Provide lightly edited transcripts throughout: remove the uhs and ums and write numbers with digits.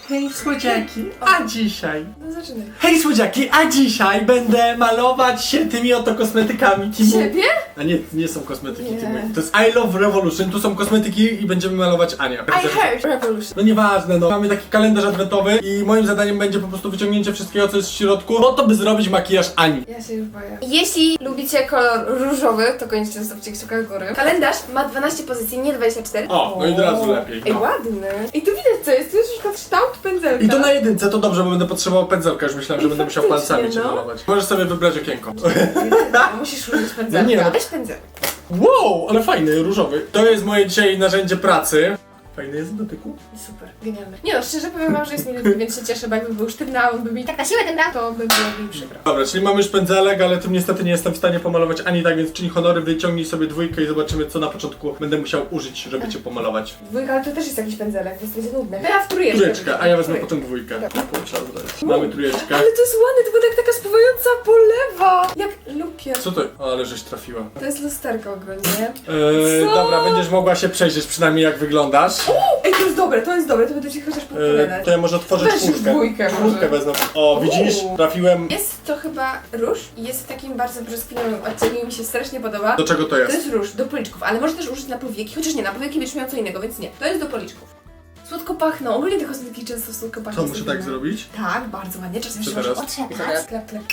Hej słodziaki, a dzisiaj... No zaczynaj. Hej słodziaki, a dzisiaj będę malować się tymi oto kosmetykami Timu. Ciebie? A nie są kosmetyki Nie. Timu. To jest I Love Revolution, tu są kosmetyki i będziemy malować Anię. I heard Revolution. No nieważne, no. Mamy taki kalendarz adwentowy i moim zadaniem będzie po prostu wyciągnięcie wszystkiego, co jest w środku, po to, by zrobić makijaż Ani. Ja się już boję. Jeśli lubicie kolor różowy, to koniecznie zostawcie kciuka w górę. Kalendarz ma 12 pozycji, nie 24. O, no i od razu lepiej. Ej, No. ładny. I tu widać co jest, tu jest już kształt pędzelka. I to na jedynce, to dobrze, bo będę potrzebował pędzelka, już myślałem, że I będę musiał faktycznie, palcami cię no. malować. Możesz sobie wybrać okienko. Musisz użyć pędzelka. No nie, no. Weź pędzelek. Wow, ale fajny, różowy. To jest moje dzisiaj narzędzie pracy. Fajny jest w dotyku. Super, genialny. Nie no, szczerze powiem wam, że jest mi lubię, więc się cieszę, bo jakby był sztywny, a on by mi tak na siłę ten dał, to by było mi przykro. Dobra, czyli mamy już pędzelek, ale tym niestety nie jestem w stanie pomalować ani tak, więc czyń honory, wyciągnij sobie dwójkę i zobaczymy, co na początku będę musiał użyć, żeby cię pomalować. Dwójka, ale to też jest jakiś pędzelek, więc będzie nudne. Ja w trójeczkę. Trójeczkę, a ja wezmę Trójeczkę. potem dwójkę. Mamy trójeczkę. Ale to jest ładne, to będzie jak taka spływająca polewa. Jak lupię. Co to? O, ale żeś trafiła. To jest lusterko ogólnie. Co? Dobra, będziesz mogła się przejrzeć przynajmniej jak wyglądasz. Ej, to jest dobre, to będę ci chociaż podpowiadać. To ja może otworzę Weź już czwórkę. dwójkę może. Czwórkę wezmę. O, widzisz? Trafiłem. Jest to chyba róż i jest w takim bardzo brzoskwiniowym odcieniu i mi się strasznie podoba. Do czego to To jest? jest róż, do policzków, ale może też użyć na powieki, chociaż nie, na powieki będziesz miał co innego, więc nie. To jest do policzków. Słodko pachną, ogólnie te kosmetyki często słodko pachną. Co, muszę tak zrobić? Tak, bardzo ładnie, czasem Co jeszcze teraz? możesz otrzepać. Klep, klep.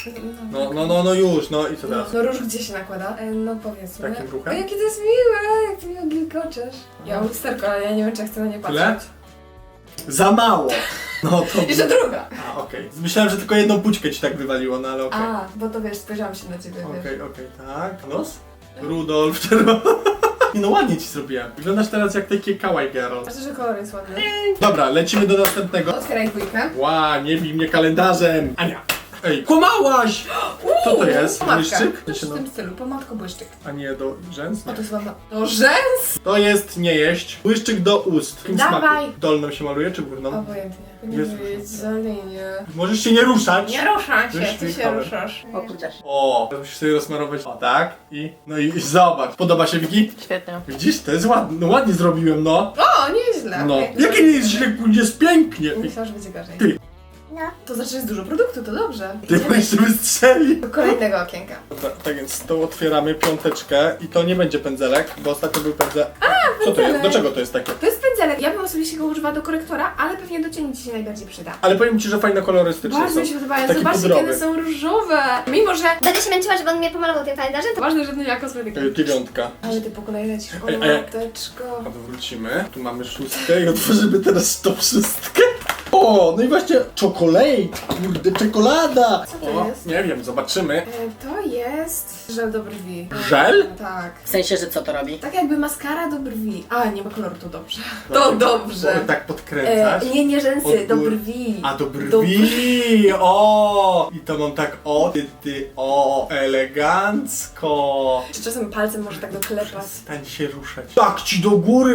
No już, no i co teraz? No róż gdzie się nakłada? No powiedzmy. Takim ruchem? O, jakie to jest miłe, jak ty mi ogilkoczesz. Ja mam lusterko, ale ja nie wiem, czy ja chcę na nie patrzeć. Tyle? Za mało! No to... Jeszcze druga. A, okej. Myślałem, że tylko jedną pućkę ci tak wywaliło, no ale okej. A, bo to wiesz, spojrzałam się na ciebie, wiesz. Okej, tak. Nos? Rudolf, czerwony. Nie no, ładnie ci zrobiłem. Wyglądasz teraz jak taki kawaii girl. Myślę, że kolor jest ładny. Dobra, lecimy do następnego. Otwieraj dwójkę. Ła, nie bij mnie kalendarzem. Ania. Ej, kłamałaś! Co to jest? Pomadka. Błyszczyk? Coś w tym stylu, pomadko błyszczyk. A nie do rzęs? O, Nie. to jest ładna. Do rzęs? To jest nie jeść. Błyszczyk do ust. W jakim Dawaj. smaku? Dolną się maluje czy górną? Obojętnie. Nie Jest wiem, za linię. Możesz się nie ruszać. Nie ruszam się, Już ty się wjechałem. ruszasz. O kurczę. O, musisz sobie rozmarować. O, tak. No i zobacz. Podoba się Wiki? Świetnie. Widzisz? To jest ładne. No ładnie zrobiłem, no. O, nieźle. No. Okej. Jakie nie jest źle, jest pięknie. Myślałam, że będzie gorzej. Ty. No. To znaczy, że jest dużo produktu, to dobrze. Ty jeszcze wystrzeli. Do kolejnego okienka. Dobra, tak więc to otwieramy piąteczkę i to nie będzie pędzelek, bo ostatnio był pędzelek. Co to jest? pędzelek. Do czego to jest takie? To jest pędzelek. Ja bym osobiście go używała do korektora, ale pewnie do cieni ci się najbardziej przyda. Ale powiem ci, że fajne kolorystyczne Bardzo są. mi się podobają. Taki Zobaczcie, pudrowy. kiedy są różowe. Mimo, że Będę się męczyła, żeby on mnie pomalował tym kalendarzem, to ważne, że to nie kosmetyki. Dziewiątka. Ale ty po kolei lecisz. O, Ej, mateczko. Odwrócimy. Tu mamy szóstkę i otworzymy teraz to wszystkie. O, no i właśnie czekolade. Kurde, czekolada. Co to O, jest? nie wiem, zobaczymy. To jest żel do brwi. Żel? Tak. w sensie, że co to robi? Tak jakby maskara do brwi. A, nie ma koloru, to dobrze. To dobrze. O, tak podkręcać. Nie rzęsy, Od do góry. brwi. A do brwi! O! I to mam tak o elegancko. Czy czasem palcem może tak doklepać? Stań się ruszać. Tak ci do góry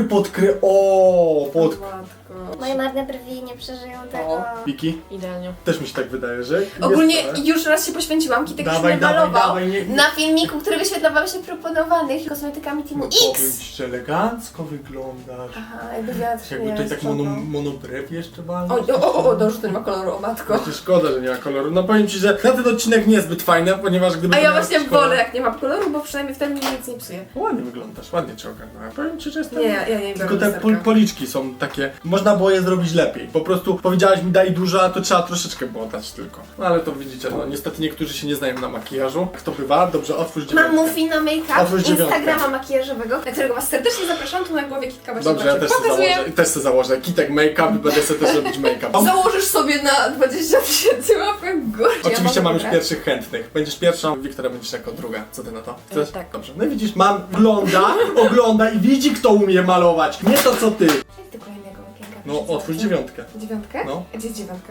o! Matko. Moje marne brwi nie przeżyją tego. Wiki? Idealnie. Też mi się tak wydaje, że... Ogólnie jest to, już raz się poświęciłam, Kitek już Dawaj, mnie dawaj, malował dawaj, nie- na filmiku, który wyświetlował się proponowanych kosmetykami Teamu No powiem X. ci, że elegancko wyglądasz. Aha, jakby wiatr Jakby tutaj tak monobrew jeszcze walnąć. dobrze, to nie ma koloru, o matko. Właśnie szkoda, że nie ma koloru. No powiem ci, że na ten odcinek niezbyt fajny, ponieważ gdyby A to ja miał właśnie jakiś kolor- wolę, jak nie ma koloru, bo przynajmniej wtedy mi nic nie psuje. Ładnie wyglądasz, ładnie cię ogarnąłem. Powiem ci, że jestem... Nie, ja nie biorę Tylko te lusterka. policzki są takie, można było je zrobić lepiej. Po prostu powiedziałaś mi daj dużo, a to trzeba troszeczkę było dać tylko. No ale to widzicie, no niestety niektórzy się nie znają na makijażu. Jak to bywa? Dobrze, otwórz Mam dziewiątkę. Mufino Makeup, Otwórz dziewiątkę. Instagrama makijażowego, na którego was serdecznie zapraszam, tu na głowie Kitka właśnie Dobrze, ja też sobie pokazuje. założę. Też sobie założę. Kitek make-up i będę sobie też robić make-up. Założysz sobie na 20 000 łapek w górę. Oczywiście mam już wybrać? pierwszych chętnych. Będziesz pierwszą, Wiktoria będziesz jako druga. Co ty na to? Chcesz? tak. Dobrze. No i widzisz, mam ogląda i widzi kto umie malować. Nie to co ty. Jak do kolejnego okienka? No otwórz dziewiątkę. Dziewiątkę? No. A gdzie jest dziewiątka?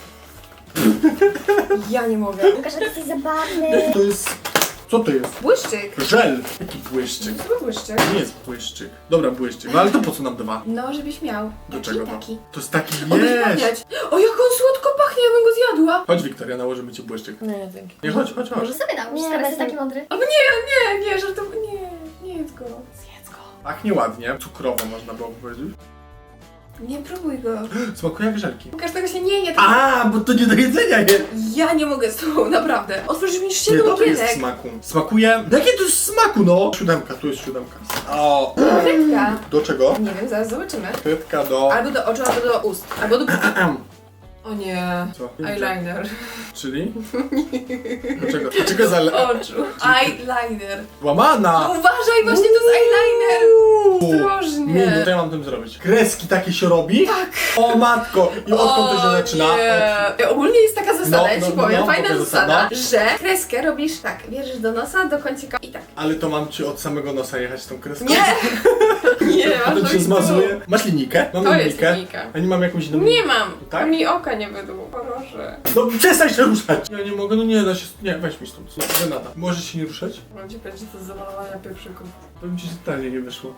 Ja nie mogę. Łukasz, ty jesteś zabawny. To jest... Co to jest? Błyszczyk. Żel. Jaki błyszczyk? To był błyszczyk. Nie jest błyszczyk. Dobra, błyszczyk. No ale to po co nam dwa? No, żebyś miał. Do Taki, czego to? taki. To jest taki O, jest. pachniać. O, jak on słodko pachnie, ja bym go zjadła. Chodź Wiktoria, nałożymy ci błyszczyk. Nie, dzięki. Nie, chodź. Może sobie nałóż, Nie, teraz jest bez- taki mądry. O nie, żartowo, nie jedz go. Zjedz go. Pachnie ładnie. Cukrowo można było powiedzieć. Nie próbuj go. Smakuje jak żelki. Łukasz, tego się nie je. A, bo to nie do jedzenia jest. Ja nie mogę z tobą, naprawdę. Otworzysz mi Nie, 7 dobry jest w okienek. smaku. Smakuje... Jakie to jest smaku, no? 7, tu jest 7. O, Frytka. do czego? Nie wiem, zaraz zobaczymy. Frytka do... Albo do oczu, albo do ust. Albo do... O nie. Co? Eyeliner. Czyli? Dlaczego? Dlaczego za... Oczu. Eyeliner. No Łamana! uważaj, właśnie to jest eyeliner. Ostrożnie. Nie, no to ja mam tym zrobić. Kreski takie się robi? Tak. O matko! I odkąd to się zaczyna? Nie. Ogólnie jest taka zasada, No, ja no, ci powiem, no, fajna pokaż zasada, zasadę. że kreskę robisz tak, bierzesz do nosa, do końcika i tak. Ale to mam ci od samego nosa jechać tą kreską? Nie! Nie, masz Potem się robić zmazuje. Masz linijkę? Mam To jest linijkę. linijka. A nie mam jakąś inną? Nie mam! Tak? Mi oka nie wydło, proszę. No przestań się ruszać! Ja nie mogę, no nie da się... Nie, weź mi stąd. Renata, możesz się nie ruszać? Mam ci powiedzieć, że to jest zamalowania pieprzyków. Powiem ci, że totalnie nie wyszło.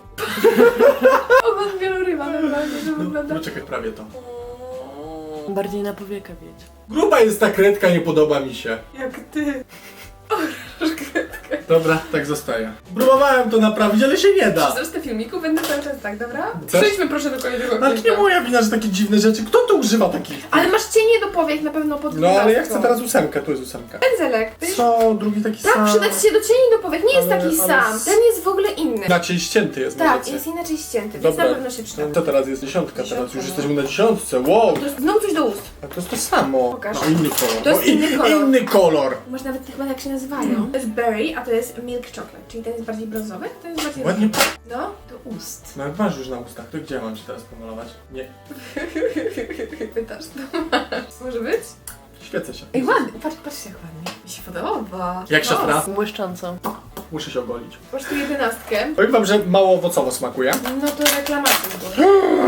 Ogon wieloryba, naprawdę, że wygląda... No czekaj, prawie to. Bardziej na powiekę wiedź. Gruba jest ta kredka, nie podoba mi się. Jak ty. Kredkę. Dobra, tak zostaje. Próbowałem to naprawić, ale się nie da. Przez resztę filmiku będę cały czas tak, dobra? Chcesz? Przejdźmy proszę do kolejnego Ale to nie filmiku. moja wina, że takie dziwne rzeczy. Kto tu używa takich? Ale masz cienie do powiek na pewno pod No ale ja gwiazdką. chcę teraz 8, tu jest 8. Pędzelek. To jest... Co? Drugi taki sam. Tak, przydać się do cieni do powiek. Nie jest Ale- taki ale sam. s- Ten jest w ogóle inny. Inaczej ścięty jest, Tak, możecie. jest inaczej ścięty, więc Dobra. na pewno się przyda. Co teraz jest? 10, teraz Dziesiątka, już no. jesteśmy na 10. Wow! To jest znowu coś do ust. A to jest to samo. Pokaż. No inny kolor. To jest No, inny kolor. Inny kolor. Może nawet chyba jak się nazywają. To jest berry, a to jest milk chocolate. Czyli ten jest bardziej brązowy, a ten jest bardziej... Ładnie. No, do ust. No jak masz już na ustach, to gdzie mam ci teraz pomalować? Nie. Pytasz, to masz. Może być? Świecę się. Ej, ładnie. Patrz jak ładnie. Mi się podoba. Jak siostra? Błyszcząco. Muszę się ogolić. Masz tu 11. Powiem wam, że mało owocowo smakuje. No to reklamacja było.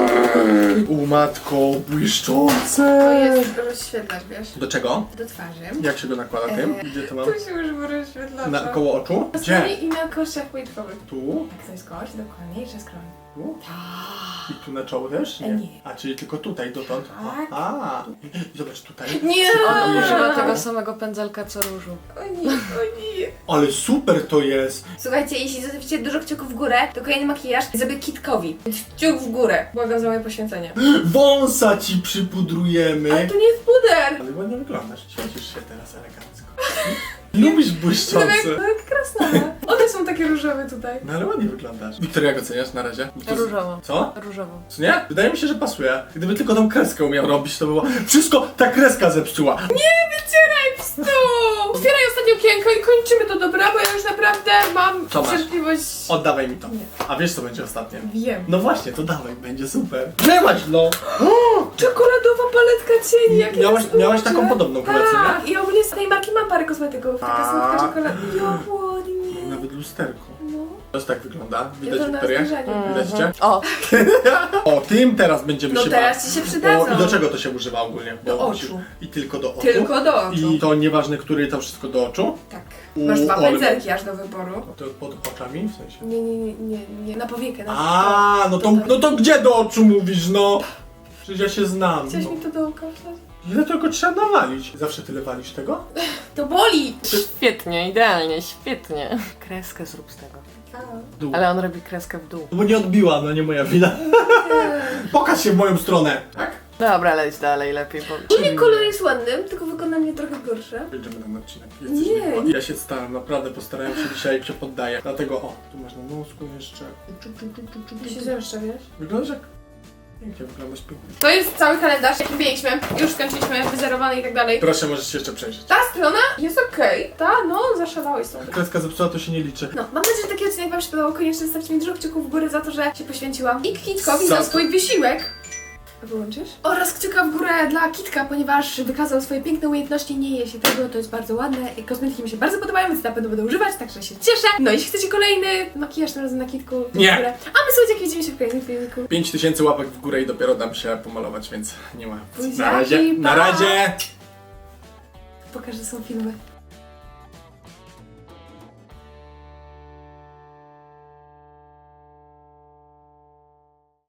Matko, To błyszczące. jest rozświetlacz, wiesz? Do czego? Do twarzy. Jak się go nakłada tym? Gdzie to mam? Tu się używa rozświetlacza. Na koło oczu? Na Gdzie? stronie i na kościach policzkowych. Tu? Tak, to jest kość, dokładnie, i przez skroń. Tu? Tak. I tu na czoło też? Nie. A, czyli tylko tutaj, dotąd? Tak. A, i zobacz tutaj. Nie! On Nie. używa tego samego pędzelka co różu. O nie, o nie. Ale super to jest! Słuchajcie, jeśli zostawicie dużo kciuków w górę, to kolejny makijaż zrobię kitkowi. Więc kciuk w górę. Błagam za moje poświęcenie. Wąsa ci przypudrujemy! Ale to nie jest puder! Ale ładnie wyglądasz, świecisz się teraz elegancko. Lubisz błyszczące. No jak krasnale. One są takie różowe tutaj. No ale ładnie wyglądasz. Wiktoria, jak oceniasz na razie? Różowo. Co? Różowo. Co nie? Wydaje mi się, że pasuje. Gdyby tylko tą kreskę umiał robić, to by było... Wszystko ta kreska zepsuła! Wycieraj pstu! Otwieraj ostatnie okienko i kończymy to, dobra? Bo ja już naprawdę mam Co masz? cierpliwość... Oddawaj mi to. Nie. A wiesz, co będzie ostatnie? Wiem. No właśnie, to dawaj, będzie super. Trzymać, no! Czekoladowa paletka cieni, jakie Miałaś taką podobną kolekcję, nie? Tak, i ogólnie z tej marki mam parę kosmetyków. Taka A. słodka czekolada. Jak ładnie. Nawet lusterko. No. To tak wygląda. Ja Widać, to na Wiktorię? zbliżenie. Widać cię? O, O, tym teraz będziemy No się teraz ci się O, przydadzą. i do czego to się używa ogólnie? Do Bo oczu. I tylko do oczu? Tylko do oczu. I to nieważne, który, to wszystko do oczu? Tak. Masz dwa ale- pędzelki aż do wyboru. No to pod oczami w sensie? Nie. Na powiekę, na A, no to gdzie do oczu mówisz, no? Przecież ja się znam. Chciałeś No. mi to do oka wstać? Ile tylko trzeba nawalić? Zawsze tyle walisz tego? To boli! świetnie, idealnie, świetnie. Kreskę zrób z tego. Dół. Ale on robi kreskę w dół. Bo nie odbiła, no nie moja wina. Pokaż się w moją stronę. Tak? Dobra, leć dalej, lepiej. Ogólnie kolor jest ładny, tylko wykonanie trochę gorsze. Jedziemy na ten odcinek. Nie. Ja się staram, naprawdę postarałem się dzisiaj, się poddaję. Dlatego, o, tu masz na nosku jeszcze. Ty się zemszcza, wiesz? Wyglądasz jak... Pięknie, wyglądasz pięknie. To jest cały kalendarz, jaki mieliśmy. Już skończyliśmy, wyzerowany i tak dalej. Proszę, możesz się jeszcze przejrzeć. Ta strona jest okej. Ta, no, zaszalałeś tą. Kreska zepsuła, to się nie liczy. No, mam nadzieję, że taki odcinek wam się podobał. Koniecznie zostawcie mi dużo kciuków w górę za to, że się poświęciłam. I Kitkowi Za za to. swój wysiłek. Wyłączysz? Oraz kciuka w górę dla Kitka, ponieważ wykazał swoje piękne umiejętności, nie je się tego, to jest bardzo ładne. I kosmetyki mi się bardzo podobają, więc na pewno będę używać, także się cieszę. No, jeśli chcecie kolejny makijaż tym razem na Kitku, to Nie. w górę. A my słuchajcie, widzimy się w kolejnym filmiku. 5000 łapek w górę i dopiero dam się pomalować, więc nie ma. Buziaki, Na razie. Na pa. razie. Pokażę, są filmy.